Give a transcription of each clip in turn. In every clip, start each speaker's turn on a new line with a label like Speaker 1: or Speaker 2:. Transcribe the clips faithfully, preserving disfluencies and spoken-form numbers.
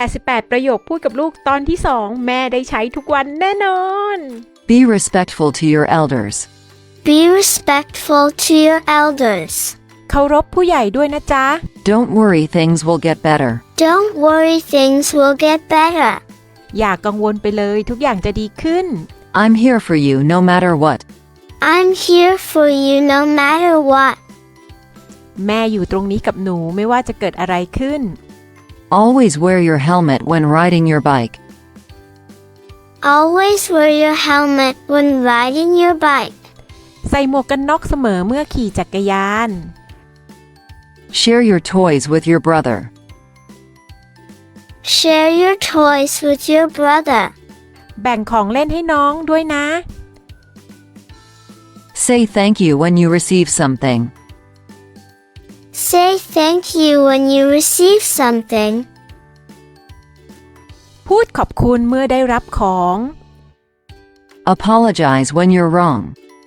Speaker 1: แปดสิบแปดประโยคพูดกับลูกตอนที่สองแม่ได้ใช้ทุกวันแน่นอน
Speaker 2: Be respectful to your elders.
Speaker 3: Be respectful to your elders.
Speaker 1: เคารพผู้ใหญ่ด้วยนะจ๊ะ
Speaker 2: Don't worry, things will get better.
Speaker 3: Don't worry, things will get better.
Speaker 1: อย่ากังวลไปเลยทุกอย่างจะดีขึ้น
Speaker 2: I'm here for you no matter what.
Speaker 3: I'm here for you no matter what.
Speaker 1: แม่อยู่ตรงนี้กับหนูไม่ว่าจะเกิดอะไรขึ้น
Speaker 2: Always wear your helmet when riding your bike.
Speaker 3: Always wear your helmet when riding your bike.
Speaker 1: ใส่หมวกกันน็อกเสมอเมื่อขี่จักรยาน
Speaker 2: Share your toys with your brother.
Speaker 3: Share your toys with your brother.
Speaker 1: แบ่งของเล่นให้น้องด้วยนะ
Speaker 2: Say thank you when you receive something.
Speaker 3: Say thank you when you receive something.
Speaker 1: พูดขอบคุณเมื่อได้รับของ
Speaker 2: Apologize when you're wrong.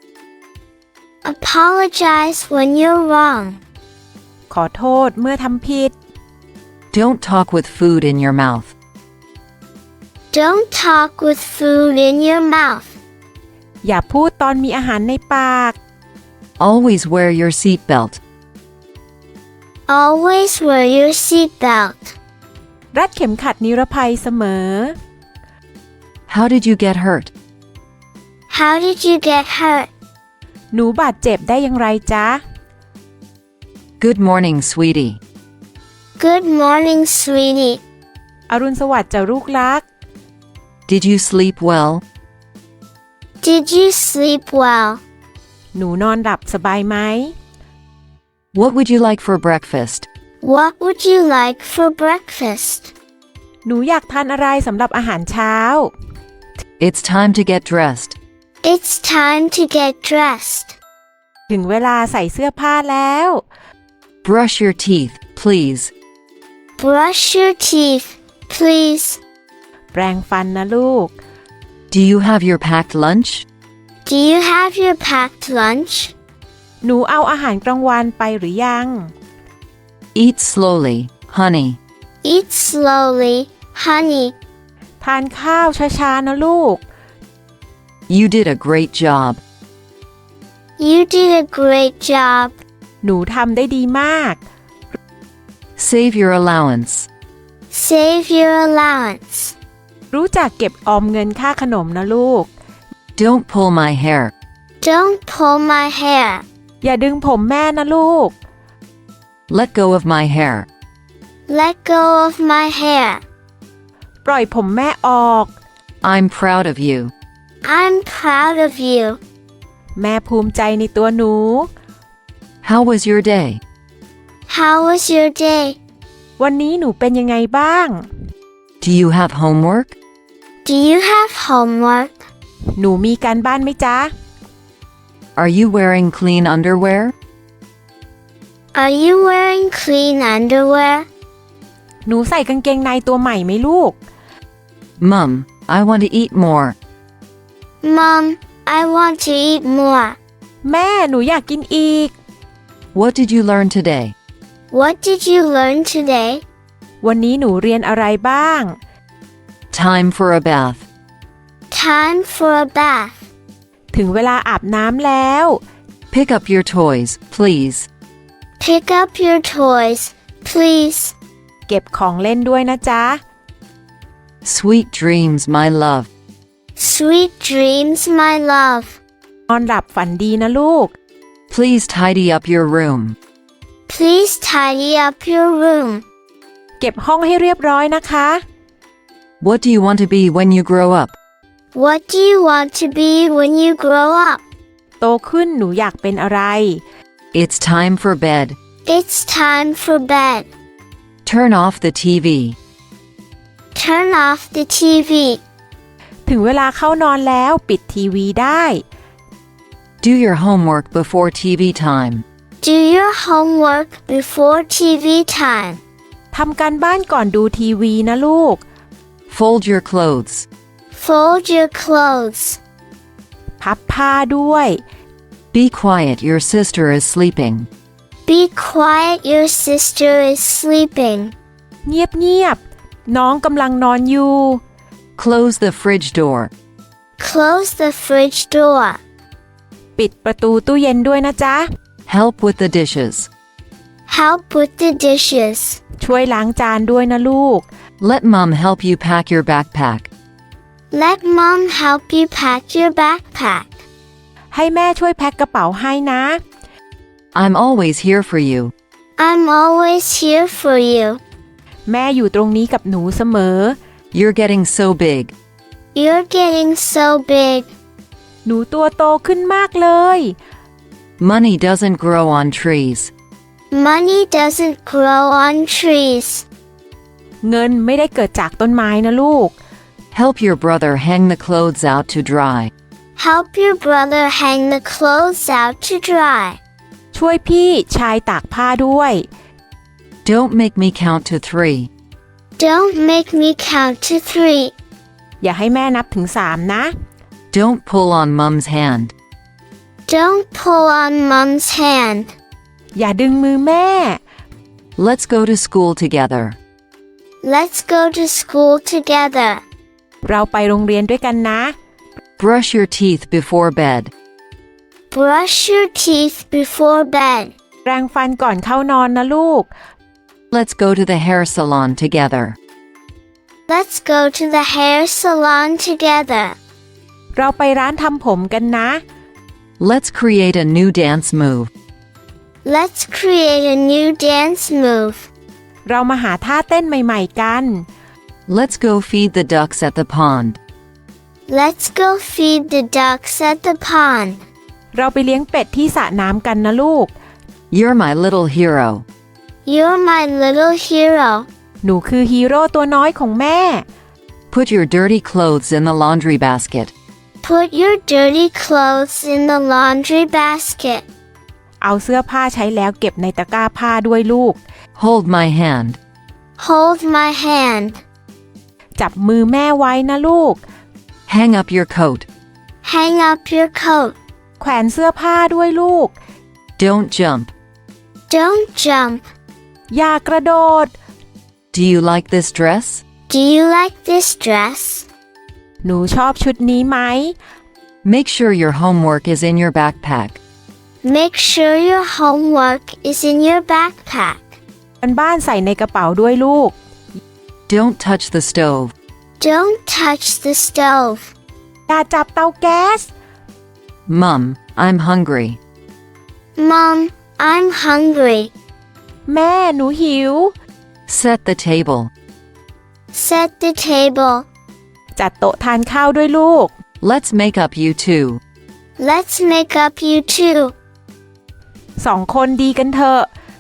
Speaker 3: Apologize when you're wrong.
Speaker 1: ขอโทษเมื่อทำผิด
Speaker 2: Don't talk with food in your mouth.
Speaker 3: Don't talk with food in your mouth.
Speaker 1: อย่าพูดตอนมีอาหารในปาก
Speaker 2: Always wear your seatbelt.
Speaker 3: Always wear your seatbelt.
Speaker 1: รัดเข็มขัดนิรภัยเสมอ
Speaker 2: How did you get hurt?
Speaker 3: How did you get hurt?
Speaker 1: หนูบาดเจ็บได้อย่างไรจ๊ะ
Speaker 2: Good morning, sweetie.
Speaker 3: Good morning, sweetie.
Speaker 1: อรุณสวัสดิ์จ้ะลูกรัก
Speaker 2: Did you sleep well?
Speaker 3: Did you sleep well?
Speaker 1: หนูนอนหลับสบายไหม
Speaker 2: What would you like for breakfast?
Speaker 3: What would you like for breakfast?
Speaker 1: หนูอยากทานอะไรสำหรับอาหารเช้า
Speaker 2: It's time to get dressed.
Speaker 3: It's time to get dressed.
Speaker 1: ถึงเวลาใส่เสื้อผ้าแล้ว
Speaker 2: Brush your teeth, please.
Speaker 3: Brush your teeth, please.
Speaker 1: แปรงฟันนะลูก
Speaker 2: Do you have your packed lunch?
Speaker 3: Do you have your packed lunch?
Speaker 1: หนูเอาอาหารกลางวันไปหรือยัง
Speaker 2: Eat slowly, honey.
Speaker 3: Eat slowly, honey.
Speaker 1: ทานข้าวช้าๆนะลูก
Speaker 2: You did a great job.
Speaker 3: You did a great job.
Speaker 1: หนูทำได้ดีมาก
Speaker 2: Save your allowance.
Speaker 3: Save your allowance.
Speaker 1: รู้จักเก็บออมเงินค่าขนมนะลูก
Speaker 2: Don't pull my hair.
Speaker 3: Don't pull my hair.
Speaker 1: อย่าดึงผมแม่นะลูก
Speaker 2: Let go of my hair.
Speaker 3: Let go of my hair.
Speaker 1: ปล่อยผมแม่ออก
Speaker 2: I'm proud of you.
Speaker 3: I'm proud of you.
Speaker 1: แม่ภูมิใจในตัวหนู
Speaker 2: How was your day?
Speaker 3: How was your day?
Speaker 1: วันนี้หนูเป็นยังไงบ้าง
Speaker 2: Do you have homework?
Speaker 3: Do you have homework?
Speaker 1: หนูมีการบ้านไหมจ๊ะ
Speaker 2: Are you wearing clean underwear?
Speaker 3: Are you wearing clean underwear?
Speaker 1: หนูใส่กางเกงในตัวใหม่ไหมลูก
Speaker 2: Mum, I want to eat more.
Speaker 3: Mom, I want to eat more.
Speaker 1: แม่หนูอยากกินอีก
Speaker 2: What did you learn today?
Speaker 3: What did you learn today?
Speaker 1: วันนี้หนูเรียนอะไรบ้าง
Speaker 2: Time for a bath.
Speaker 3: Time for a bath.
Speaker 1: ถึงเวลาอาบน้ำแล้ว
Speaker 2: Pick up your toys, please.
Speaker 3: Pick up your toys, please.
Speaker 1: เก็บของเล่นด้วยนะจ๊ะ
Speaker 2: Sweet dreams, my love.
Speaker 3: Sweet dreams, my love.
Speaker 1: นอนหลับฝันดีนะลูก
Speaker 2: Please tidy up your room.
Speaker 3: Please tidy up your room.
Speaker 1: เก็บห้องให้เรียบร้อยนะคะ
Speaker 2: What do you want to be when you grow up?
Speaker 3: What do you want to be when you grow up?
Speaker 1: โตขึ้นหนูอยากเป็นอะไร
Speaker 2: It's time for bed.
Speaker 3: It's time for bed.
Speaker 2: Turn off the T V.
Speaker 3: Turn off the T V.
Speaker 1: ถึงเวลาเข้านอนแล้วปิดทีวีได้
Speaker 2: Do your homework before T V time.
Speaker 3: Do your homework before T V time.
Speaker 1: ทำการบ้านก่อนดูทีวีนะลูก
Speaker 2: Fold your clothes.
Speaker 3: Fold your clothes.
Speaker 1: พับผ้าด้วย
Speaker 2: Be quiet, your sister is sleeping.
Speaker 3: Be quiet, your sister is sleeping.
Speaker 1: เงียบเงียบน้องกำลังนอนอยู่
Speaker 2: Close the fridge door.
Speaker 3: Close the fridge door.
Speaker 1: ปิดประตูตู้เย็นด้วยนะจ๊ะ
Speaker 2: Help with the dishes.
Speaker 3: Help with the dishes.
Speaker 1: ช่วยล้างจานด้วยนะลูก
Speaker 2: Let mom help you pack your backpack.
Speaker 3: Let mom help you pack your backpack.
Speaker 1: ให้แม่ช่วยแพ็คกระเป๋าให้นะ
Speaker 2: I'm always here for you.
Speaker 3: I'm always here for you.
Speaker 1: แม่อยู่ตรงนี้กับหนูเสมอ
Speaker 2: You're getting so big.
Speaker 3: You're getting so big.
Speaker 1: หนูตัวโตขึ้นมากเลย
Speaker 2: Money doesn't grow on trees.
Speaker 3: Money doesn't grow on trees.
Speaker 1: เงินไม่ได้เกิดจากต้นไม้นะลูก
Speaker 2: Help your brother hang the clothes out to dry.
Speaker 3: Help your brother hang the clothes out to dry.
Speaker 1: ช่วยพี่ชายตากผ้าด้วย
Speaker 2: Don't make me count to three.
Speaker 3: Don't make me count to three.
Speaker 1: อย่าให้แม่นับถึงสามนะ
Speaker 2: Don't pull on mom's hand.
Speaker 3: Don't pull on mom's hand.
Speaker 1: อย่าดึงมือแม่
Speaker 2: Let's go to school together.
Speaker 3: Let's go to school together.
Speaker 1: เราไปโรงเรียนด้วยกันนะ
Speaker 2: Brush your teeth before bed.
Speaker 3: Brush your teeth before bed.
Speaker 1: แปรงฟันก่อนเข้านอนนะลูก
Speaker 2: Let's go to the hair salon together.
Speaker 3: Let's go to the hair salon together.
Speaker 1: เราไปร้านทำผมกันนะ
Speaker 2: Let's create a new dance move.
Speaker 3: Let's create a new dance move.
Speaker 1: เรามาหาท่าเต้นใหม่ๆกัน
Speaker 2: Let's go feed the ducks at the pond.
Speaker 3: Let's go feed the ducks at the pond.
Speaker 1: เราไปเลี้ยงเป็ดที่สระน้ำกันนะลูก
Speaker 2: You're my little hero.
Speaker 3: You're my little hero.
Speaker 1: หนูคือฮีโร่ตัวน้อยของแม่
Speaker 2: Put your dirty clothes in the laundry basket.
Speaker 3: Put your dirty clothes in the laundry basket.
Speaker 1: เอาเสื้อผ้าใช้แล้วเก็บในตะกร้าผ้าด้วยลูก
Speaker 2: Hold my hand.
Speaker 3: Hold my hand.
Speaker 1: จับมือแม่ไว้นะลูก
Speaker 2: Hang up your coat.
Speaker 3: Hang up your coat.
Speaker 1: แขวนเสื้อผ้าด้วยลูก
Speaker 2: Don't jump.
Speaker 3: Don't jump.
Speaker 1: อย่ากระโดด
Speaker 2: Do you like this dress?
Speaker 3: Do you like this dress?
Speaker 1: หนูชอบชุดนี้ไหม
Speaker 2: Make sure your homework is in your backpack.
Speaker 3: Make sure your homework is in your backpack.
Speaker 1: กันบ้านใส่ในกระเป๋าด้วยลูก
Speaker 2: Don't touch the stove.
Speaker 3: Don't touch the stove.
Speaker 1: อย่าจับเตาแก๊ส
Speaker 2: Mum, I'm hungry.
Speaker 3: Mom, I'm hungry.
Speaker 1: แม่หนูหิว
Speaker 2: Set the table.
Speaker 3: Set the table.
Speaker 1: จัดโต๊ะทานข้าวด้วยลูก
Speaker 2: Let's make up you two.
Speaker 3: Let's make up you two.
Speaker 1: สองคนดีกันเถอะ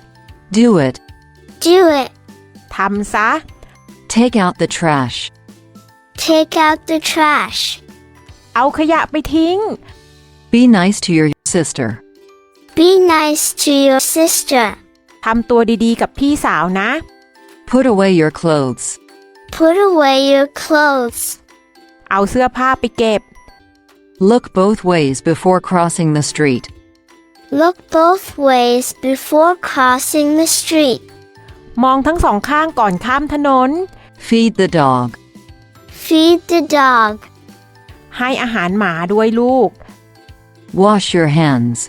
Speaker 2: Do it.
Speaker 3: Do it.
Speaker 1: ทำซะ
Speaker 2: Take out the trash.
Speaker 3: Take out the trash.
Speaker 1: เอาขยะไปทิ้ง
Speaker 2: Be nice to your sister.
Speaker 3: Be nice to your sister.
Speaker 1: ทำตัวดีๆกับพี่สาวนะ
Speaker 2: Put away your clothes.
Speaker 3: Put away your clothes.
Speaker 1: เอาเสื้อผ้าไปเก็บ
Speaker 2: Look both ways before crossing the street.
Speaker 3: Look both ways before crossing the street.
Speaker 1: มองทั้งสองข้างก่อนข้ามถนน
Speaker 2: Feed the dog.
Speaker 3: Feed the dog.
Speaker 1: ให้อาหารหมาด้วยลูก
Speaker 2: Wash your hands.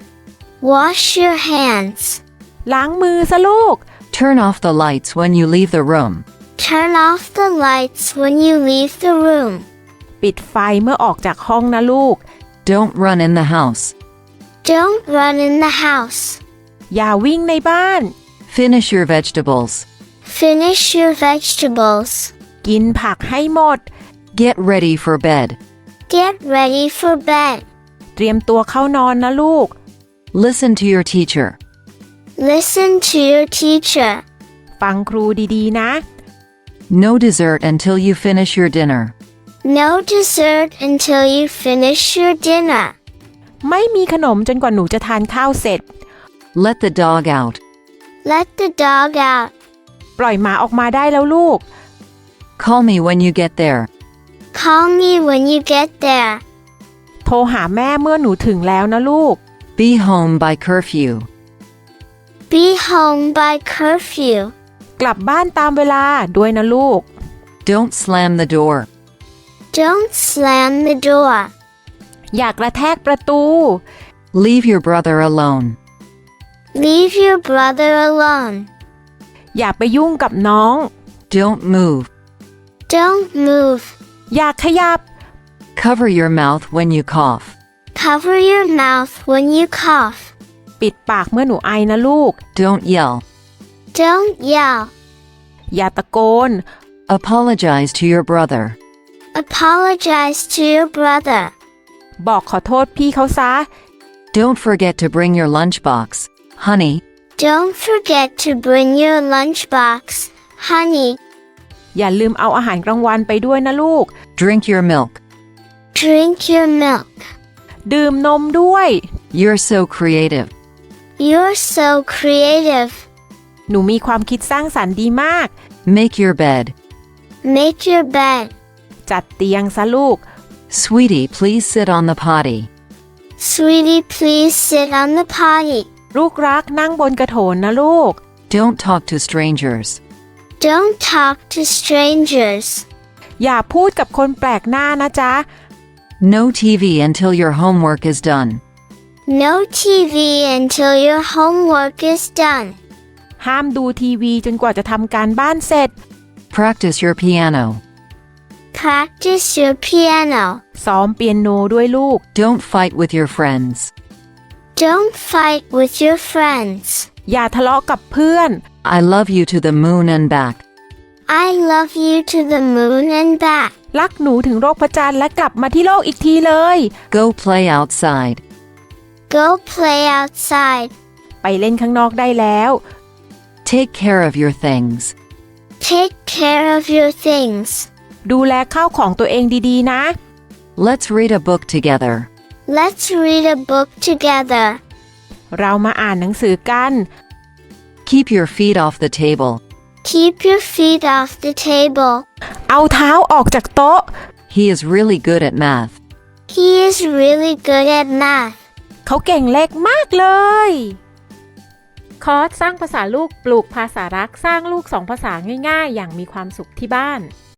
Speaker 3: Wash your hands.
Speaker 1: ล้างมือซะลูก
Speaker 2: Turn off the lights when you leave the room.
Speaker 3: Turn off the lights when you leave the room.
Speaker 1: ปิดไฟเมื่อออกจากห้องนะลูก
Speaker 2: Don't run in the house.
Speaker 3: Don't run in the house.
Speaker 1: อย่าวิ่งในบ้าน
Speaker 2: Finish your vegetables.
Speaker 3: Finish your vegetables.
Speaker 1: กินผักให้หมด
Speaker 2: Get ready for bed.
Speaker 3: Get ready for bed.
Speaker 1: เตรียมตัวเข้านอนนะลูก
Speaker 2: Listen to your teacher.
Speaker 3: Listen to your teacher.
Speaker 1: ฟังครูดีๆนะ
Speaker 2: No dessert until you finish your dinner.
Speaker 3: No dessert until you finish your dinner.
Speaker 1: ไม่มีขนมจนกว่าหนูจะทานข้าวเสร็จ
Speaker 2: Let the dog out.
Speaker 3: Let the dog out.
Speaker 1: ปล่อยหมาออกมาได้แล้วลูก
Speaker 2: Call me when you get there.
Speaker 3: Call me when you get there.
Speaker 1: โทรหาแม่เมื่อหนูถึงแล้วนะลูก
Speaker 2: Be home by curfew.
Speaker 3: Be home by curfew.
Speaker 1: กลับบ้านตามเวลาด้วยนะลูก
Speaker 2: Don't slam the door.
Speaker 3: Don't slam the door.
Speaker 1: อย่ากระแทกประตู
Speaker 2: Leave your brother alone.
Speaker 3: Leave your brother alone.
Speaker 1: อย่าไปยุ่งกับน้อง
Speaker 2: Don't move.
Speaker 3: Don't move.
Speaker 1: อย่าขยับ
Speaker 2: Cover your mouth when you cough.
Speaker 3: Cover your mouth when you cough.
Speaker 1: ปิดปากเมื่อหนูไอนะลูก
Speaker 2: Don't yell.
Speaker 3: Don't yell.
Speaker 1: อย่าตะโกน
Speaker 2: Apologize to your brother.
Speaker 3: Apologize to your brother.
Speaker 1: บอกขอโทษพี่เขาซะ
Speaker 2: Don't forget to bring your lunchbox, honey.
Speaker 3: Don't forget to bring your lunchbox, honey.
Speaker 1: อย่าลืมเอาอาหารกลางวันไปด้วยนะลูก
Speaker 2: Drink your milk.
Speaker 3: Drink your milk.
Speaker 1: ดื่มนมด้วย
Speaker 2: You're so creative.
Speaker 3: You're so creative.
Speaker 1: หนูมีความคิดสร้างสรรค์ดีมาก
Speaker 2: Make your bed.
Speaker 3: Make your bed.
Speaker 1: จัดเตียงซะลูก
Speaker 2: Sweetie, please sit on the potty.
Speaker 3: Sweetie, please sit on the potty.
Speaker 1: ลูกรักนั่งบนกระโถนนะลูก
Speaker 2: Don't talk to strangers.
Speaker 3: Don't talk to strangers.
Speaker 1: อย่าพูดกับคนแปลกหน้านะจ๊ะ
Speaker 2: No T V until your homework is done.
Speaker 3: No T V until your homework is done.
Speaker 1: ห้ามดูทีวีจนกว่าจะทำการบ้านเสร็จ
Speaker 2: Practice your piano.
Speaker 3: Practice your piano.
Speaker 1: ซ้อมเปียโนด้วยลูก
Speaker 2: Don't fight with your friends.
Speaker 3: Don't fight with your friends.
Speaker 1: อย่าทะเลาะกับเพื่อน
Speaker 2: I love you to the moon and back.
Speaker 3: I love you to the moon and back.
Speaker 1: รักหนูถึงโลกพระจันทร์และกลับมาที่โลกอีกทีเลย
Speaker 2: Go play outside.
Speaker 3: Go play outside.
Speaker 1: ไปเล่นข้างนอกได้แล้ว
Speaker 2: Take care of your things.
Speaker 3: Take care of your things.
Speaker 1: ดูแลข้าวของตัวเองดีๆนะ
Speaker 2: Let's read a book together.
Speaker 3: Let's read a book together.
Speaker 1: เรามาอ่านหนังสือกัน
Speaker 2: Keep your feet off the table.
Speaker 3: Keep your feet off the table.
Speaker 1: เอาเท้าออกจากโต๊ะ
Speaker 2: He is really good at math.
Speaker 3: He is really good at math.
Speaker 1: เขาเก่งเลขมากเลย คอร์สสร้างภาษาลูกปลูกภาษารักสร้างลูกสองภาษาง่ายๆ อย่างมีความสุขที่บ้าน